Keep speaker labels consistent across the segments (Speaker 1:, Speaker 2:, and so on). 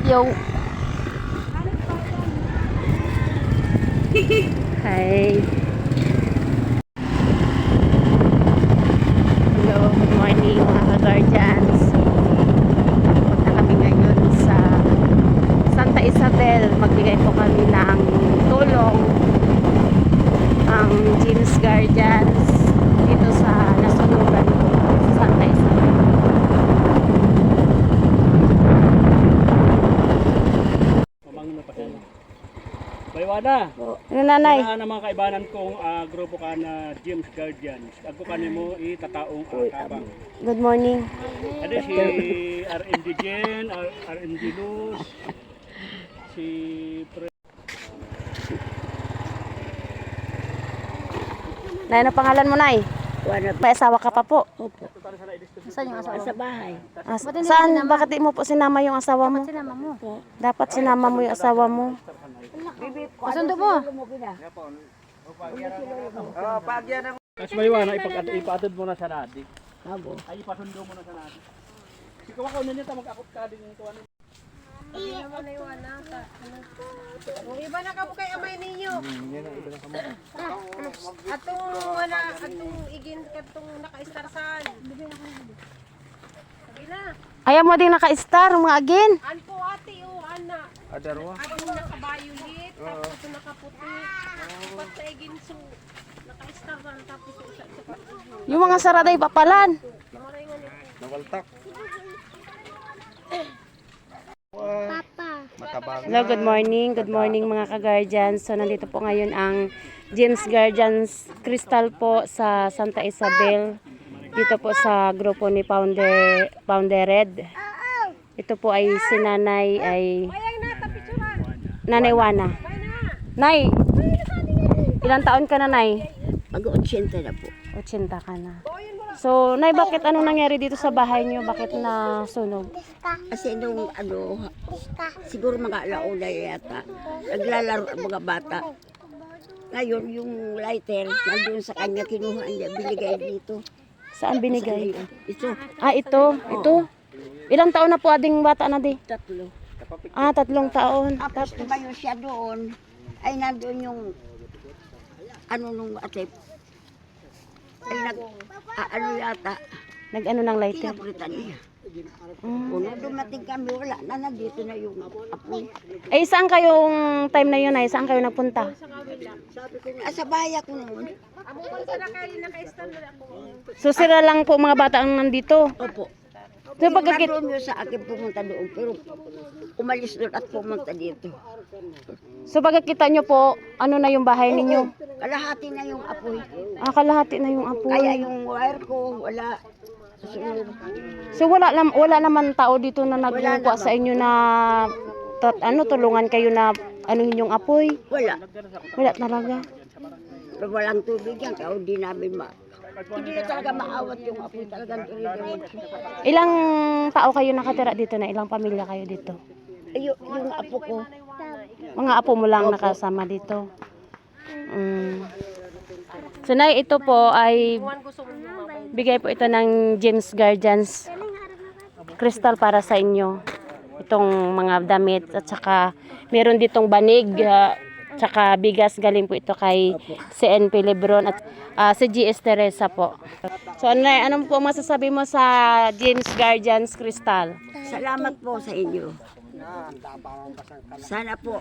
Speaker 1: Yo. Hi. Hello, good morning mga guardians. Punta kami ngayon sa Santa Isabel. Magbigay po kami ng tulong ang James Guardians dito sa nasunugan sa Santa Isabel.
Speaker 2: Baywana.
Speaker 1: Ano nanay?
Speaker 2: Kailangan ng mga kaibanan kong grupo ka na James Guardians. Ako kanimo itataong kabang.
Speaker 1: Good morning.
Speaker 2: Ada si RMD Jen, RMD Luz, si
Speaker 1: Nay, ano pangalan mo, Nay? May asawa ka pa po?
Speaker 3: Opo. Saan yung asawa? Sa bahay.
Speaker 1: Saan? Bakit di mo po sinama yung asawa mo?
Speaker 3: Sinama mo.
Speaker 1: Dapat sinama mo yung asawa mo.
Speaker 3: Kasundo mo.
Speaker 2: Mas Baywana ipatod mo na sa nadi.
Speaker 3: Abo.
Speaker 2: Ay ipasundo mo na sa nadi. Ikaw ako ninyo ta mag-akot ka din ito ano.
Speaker 4: Iba na ka po kay amay ninyo. Atong wala, atong igin katong naka-starsan. Gila.
Speaker 1: Ayaw mo din naka-star, mga agin.
Speaker 4: An po ate o ana.
Speaker 2: Adarwa.
Speaker 4: Atong naka-violet, tapos ito nakaputi. Tapos sa igin so naka-starsan tapos sa
Speaker 1: Yung mga saraday papalan.
Speaker 2: Nawaltak.
Speaker 1: Hello, good morning. Good morning mga ka-guardians. So, nandito po ngayon ang James Guardians Crystal po sa Santa Isabel. Dito po sa grupo ni Founder Red. Ito po ay si Nanay Nanay Wana. Nay, ilang taon ka na, Nay?
Speaker 3: Mag-80 na po.
Speaker 1: 80 ka na. So, Nay, bakit anong nangyari dito sa bahay niyo? Bakit nasunog?
Speaker 3: Kasi nung siguro mga alauna yata, naglalaro ang mga bata. Ngayon, yung lighter, nandun sa kanya, kinuha niya, binigay dito.
Speaker 1: Saan binigay?
Speaker 3: Ito,
Speaker 1: Ah, ito. Ito. Ilang taon na po ading bata na di?
Speaker 3: 3.
Speaker 1: Ah, 3 taon.
Speaker 3: Tapos tumayo siya doon, ay nandun yung, nung ate, ay ano yata,
Speaker 1: Nag-ano ng lighter?
Speaker 3: kinabritan niya. Kung dumating kami, wala na, nandito na yung apoy.
Speaker 1: Eh, saan kayong time na yun ay? Saan kayo nagpunta?
Speaker 3: Sa bahay ako noon.
Speaker 4: amo man sa naka-star na ako.
Speaker 1: So, sila lang po mga bata ang nandito.
Speaker 3: Opo.
Speaker 1: So, pagkakit...
Speaker 3: Nagroon yun sa akin pumunta doon, pero umalis doon at pumunta dito.
Speaker 1: So, pagkakita nyo po, ano na yung bahay ninyo?
Speaker 3: Kalahati na yung apoy.
Speaker 1: Ah, kalahati na yung apoy.
Speaker 3: Kaya yung wire ko, wala. Susunod.
Speaker 1: So, wala naman tao dito na naglungkwa sa inyo na tulungan kayo na anuhin yung apoy?
Speaker 3: Wala.
Speaker 1: Wala talaga.
Speaker 3: Pero walang tubig yan, kaya hindi namin hindi na talaga maawat yung apoy, talagang diretso.
Speaker 1: Ilang tao kayo nakatira dito na? Ilang pamilya kayo dito?
Speaker 3: Yung apo ko,
Speaker 1: Mga apo mo lang nakasama dito. So, Nay, ito po ay bigay po ito ng James Guardians Crystal para sa inyo. Itong mga damit at saka meron ditong banig tsaka bigas, galing po ito kay CNP Lebron at si GS Teresa po. So, ano po masasabi mo sa James Guardians Crystal?
Speaker 3: salamat po sa inyo. Sana po,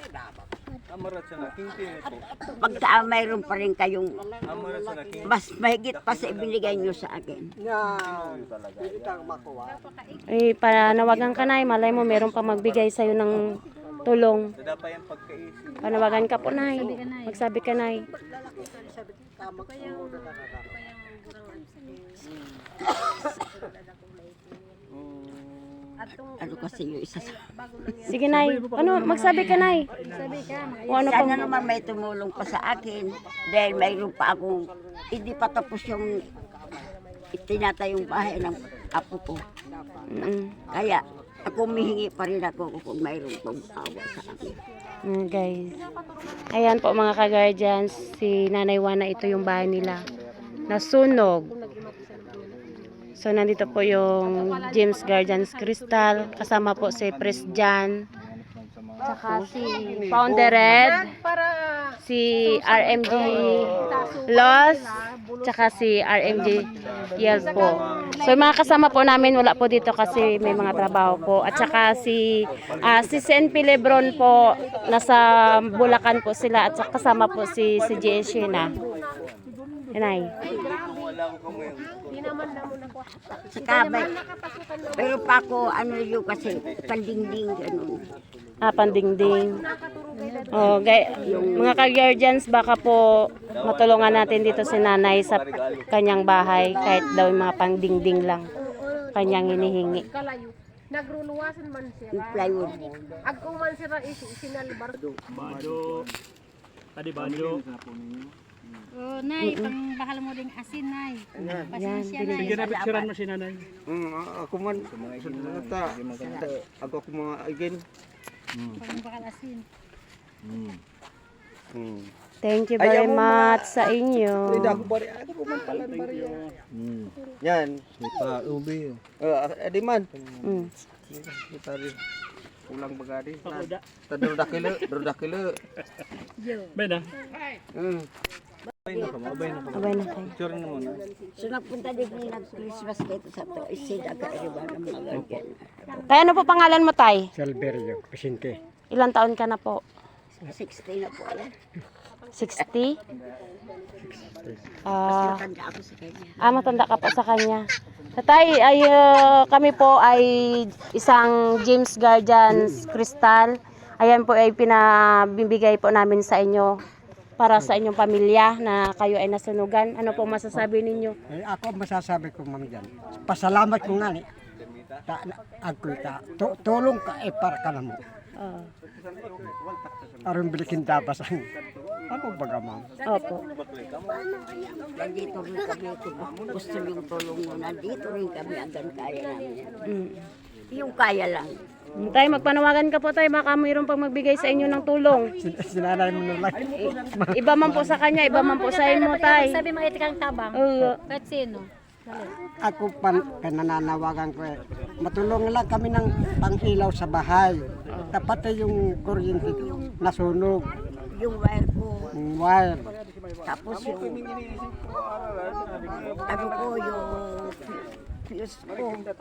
Speaker 3: pagka mayroon pa rin kayong mas mahigit pa sa ibinigay nyo sa akin.
Speaker 1: Eh, panawagan ka, Nay. Malay mo, meron pa magbigay sa'yo ng tulong. Panawagan ka po, Nay. Magsabi ka, Nay.
Speaker 3: Ano kasi yung isa sa...
Speaker 1: Sige, Nay. Ano, magsabi ka, Nay. O ano
Speaker 3: Sana
Speaker 1: pang...
Speaker 3: naman may tumulong pa sa akin dahil mayroon pa akong hindi pa tapos yung itinatayong bahay ng apo ko. Kaya ako humihingi pa rin ako kung mayroon pang awa sa akin.
Speaker 1: Guys. Ayan po mga ka-guardians. Si Nanay Wana, ito yung bahay nila. Nasunog. So, nandito po yung James Guardians Crystal. Kasama po si Pres Jan. Tsaka si Founder Red,
Speaker 4: Para
Speaker 1: si RMG Los, tsaka si RMG Yel po. So yung mga kasama po namin wala po dito kasi may mga trabaho po. At tsaka si CNP Lebron po, nasa Bulacan po sila. At saka kasama po si G.S. Sheena. Inay.
Speaker 4: di naman na muna ko.
Speaker 3: Sa kabay. Pero pa ako, ano yun kasi, pandingding, ganun.
Speaker 1: Pandingding. Oh, mga ka-guardians, baka po matulungan natin dito si nanay sa kanyang bahay kahit daw yung mga pandingding lang kanyang hinihingi.
Speaker 4: Kalayo. Nagruluwasan man siya.
Speaker 3: Yung plywood.
Speaker 4: Agko man siya isinalbar.
Speaker 2: Bado. Tadi bado.
Speaker 5: Oh, nay, pang bakal mo ding asin, nay. Pasensya, nay.
Speaker 2: Sige na picturean mo si nanay.
Speaker 6: Ako man, ako mga again.
Speaker 5: Pang bakal asin.
Speaker 1: Thank you very much sa inyo.
Speaker 6: Ako bari, ako man pala bari. Yan. Sipa ubi. Adi man. Kita rin. Ulang bagadi.
Speaker 2: Pakuda.
Speaker 6: Drodakilo.
Speaker 2: Ben ah.
Speaker 1: Abay na kayo.
Speaker 3: So nagpunta din nag-Christmas dito sa to, isida ka iba ng mga ganyan.
Speaker 1: Tay, ano po pangalan mo, Tay?
Speaker 6: Salverio, Vicente.
Speaker 1: Ilang taon ka na po?
Speaker 3: 60 na po yan.
Speaker 1: 60?
Speaker 3: Matanda ako sa kanya.
Speaker 1: Matanda ka po sa kanya. Tatay, kami po ay isang James Guardians Crystal. Ayan po ay pinabibigay po namin sa inyo para sa inyong pamilya na kayo ay nasunugan. Ano po masasabi ninyo?
Speaker 6: Ako masasabi ko ma'am dyan. Pasalamat ko nga ni. Tulong ka para ka naman. Aron bilikin dabas ang ano baga ma'am.
Speaker 1: Opo.
Speaker 3: Nandito rin kami, kung gusto yung tulong mo, nandito rin kami hanggang kaya namin. Yung kaya lang.
Speaker 1: Tay, magpanawagan ka po, Tay. Baka mayroon pang magbigay sa inyo ng tulong.
Speaker 6: Sinanay mo na lang.
Speaker 1: Iba man po sa kanya, iba man po sa inyo, Tay.
Speaker 5: Sabi mga itikang tabang. Kahit sino.
Speaker 6: Ako panananawagan ko matulungan lang kami ng pang-ilaw sa bahay. Dapat yung kuryente nasunog.
Speaker 3: Yung wire ko,
Speaker 6: Yung wire.
Speaker 3: tapos yung ano ko, yung fuse ko.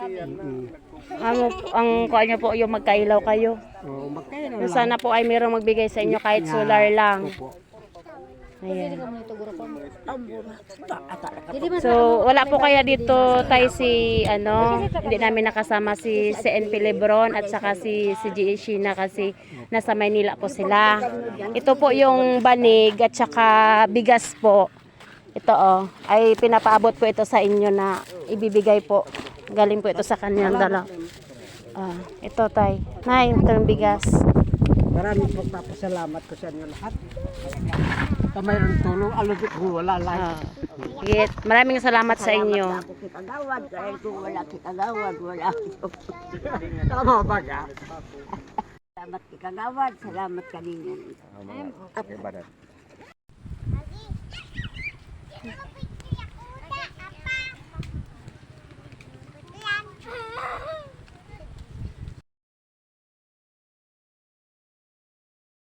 Speaker 1: Ang kuha niyo po yung magkailaw kayo.
Speaker 6: O magkano
Speaker 1: Kung
Speaker 6: lang.
Speaker 1: sana po ay mayroong magbigay sa inyo kahit solar lang.
Speaker 6: Opo.
Speaker 1: Ayan.
Speaker 3: Ang mura.
Speaker 1: So, wala po kaya dito tayo si, hindi namin nakasama si CNP Lebron at saka si G.A. Sheena kasi nasa Maynila po sila. Ito po yung banig at saka bigas po. Ito ay pinapaabot po ito sa inyo na ibibigay po. Galing po ito sa kanyang dala. Ito tay. Nay, ito yung bigas.
Speaker 6: Maraming pagpapasalamat ko sa inyo lahat. Mayroong tulong, alubit ko, wala lang.
Speaker 1: Sige, maraming salamat sa inyo.
Speaker 3: Ako kikagawad, dahil kung wala kikagawad, wala ako.
Speaker 6: Tama ba ka?
Speaker 3: Salamat kikagawad, salamat kanina.